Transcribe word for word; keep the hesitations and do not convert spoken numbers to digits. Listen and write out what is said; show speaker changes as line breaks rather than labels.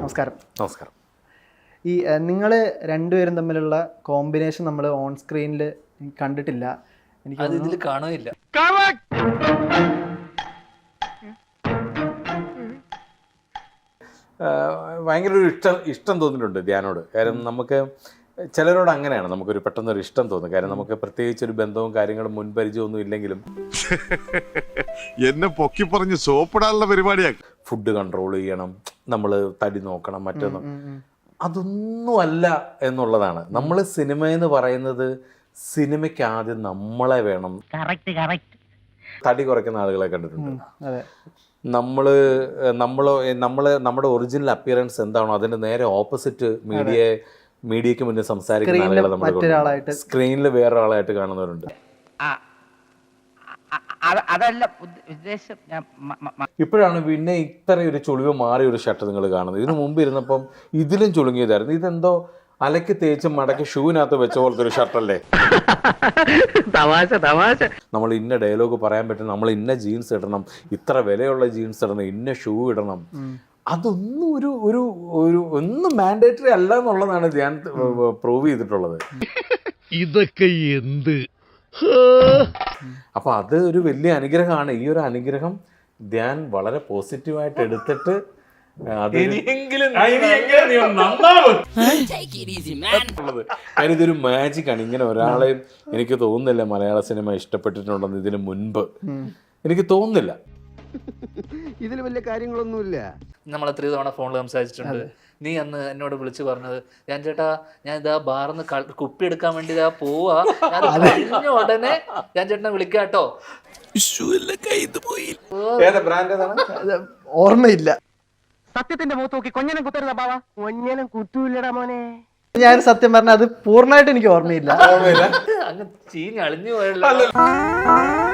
നമസ്കാരം.
നമസ്കാരം.
ഈ നിങ്ങൾ രണ്ടുപേരും തമ്മിലുള്ള കോമ്പിനേഷൻ നമ്മൾ ഓൺ സ്ക്രീനിൽ കണ്ടിട്ടില്ല. എനിക്ക്
അത് ഇതിൽ കാണുകയില്ല.
ഭയങ്കര ഒരു ഇഷ്ടം ഇഷ്ടം തോന്നിയിട്ടുണ്ട് ധ്യാനോട്. കാര്യം നമുക്ക് ചിലരോട് അങ്ങനെയാണ്, നമുക്കൊരു പെട്ടെന്നൊരു ഇഷ്ടം തോന്നും. കാര്യം നമുക്ക് പ്രത്യേകിച്ച് ഒരു ബന്ധവും കാര്യങ്ങളും മുൻപരിചയമൊന്നും ഇല്ലെങ്കിലും
എന്നെ പൊക്കി പറഞ്ഞ് സോപ്പിടാനുള്ള പരിപാടിയാ.
ഫുഡ് കൺട്രോൾ ചെയ്യണം, നമ്മൾ തടി നോക്കണം, മറ്റൊന്നും അതൊന്നും അല്ല എന്നുള്ളതാണ്. നമ്മൾ സിനിമയെന്ന് പറയുന്നത് സിനിമയ്ക്ക് ആദ്യം നമ്മളെ വേണം. തടി കുറയ്ക്കുന്ന ആളുകളെ കണ്ടിട്ടുണ്ട്. നമ്മള് നമ്മള് നമ്മള് നമ്മുടെ ഒറിജിനൽ അപ്പിയറൻസ് എന്താണോ അതിന്റെ നേരെ ഓപ്പോസിറ്റ് മീഡിയ മീഡിയക്ക് മുന്നേ സംസാരിക്കുന്ന ആളുകളെ നമ്മൾ സ്ക്രീനിൽ വേറൊരാളായിട്ട് കാണുന്നവരുണ്ട്. ഇപ്പോഴാണ് പിന്നെ ഇത്ര ഒരു ചുളിവ് മാറിയ ഒരു ഷർട്ട് നിങ്ങൾ കാണുന്നത്. ഇതിനു മുമ്പ് ഇരുന്നപ്പം ഇതിലും ചുളുങ്ങിയതായിരുന്നു. ഇതെന്തോ അലക്ക് തേച്ച് മടക്കി ഷൂവിനകത്ത് വെച്ച പോലത്തെ ഒരു ഷർട്ടല്ലേ. നമ്മൾ ഇന്ന ഡയലോഗ് പറയാൻ പറ്റും, നമ്മൾ ഇന്ന ജീൻസ് ഇടണം, ഇത്ര വിലയുള്ള ജീൻസ് ഇടണം, ഇന്ന ഷൂ ഇടണം, അതൊന്നും ഒരു ഒരു ഒരു ഒന്നും മാൻഡേറ്ററി അല്ല എന്നുള്ളതാണ് ഞാൻ പ്രൂവ് ചെയ്തിട്ടുള്ളത്.
ഇതൊക്കെ എന്ത്?
അപ്പൊ അത് ഒരു വലിയ അനുഗ്രഹമാണ്. ഈ ഒരു അനുഗ്രഹം ധ്യാൻ വളരെ പോസിറ്റീവായിട്ട് എടുത്തിട്ട് ഇതൊരു മാജിക് ആണ്. ഇങ്ങനെ ഒരാളെയും എനിക്ക് തോന്നുന്നില്ല മലയാള സിനിമ ഇഷ്ടപ്പെട്ടിട്ടുണ്ടെന്ന് ഇതിനു മുൻപ് എനിക്ക് തോന്നുന്നില്ല.
ഇതിൽ വലിയ കാര്യങ്ങളൊന്നുമില്ല.
നമ്മൾ എത്രയോ തവണ ഫോണിൽ സംസാരിച്ചിട്ടുണ്ട്. നീ അന്ന് എന്നോട് വിളിച്ചു പറഞ്ഞത്, ഞാൻ ചേട്ടാ ഞാൻ ഇതാ ബാറിന്ന് കുപ്പി എടുക്കാൻ വേണ്ടി ഇതാ പോവാ, കഴിഞ്ഞ ഉടനെ ഞാൻ ചേട്ടനെ വിളിക്കാട്ടോ.
ഓർമ്മയില്ല.
സത്യത്തിന്റെ മുഖത്ത് നോക്കി കൊഞ്ഞനം കുത്തരുന്ന ബാവ. കൊഞ്ഞനം കുത്തൂല്ലടാ മോനെ.
ഞാൻ സത്യം പറഞ്ഞ അത് പൂർണ്ണമായിട്ട് എനിക്ക് ഓർമ്മയില്ല.
അങ്ങ് ചീഞ്ഞ് അളിഞ്ഞു പോയല്ലോ.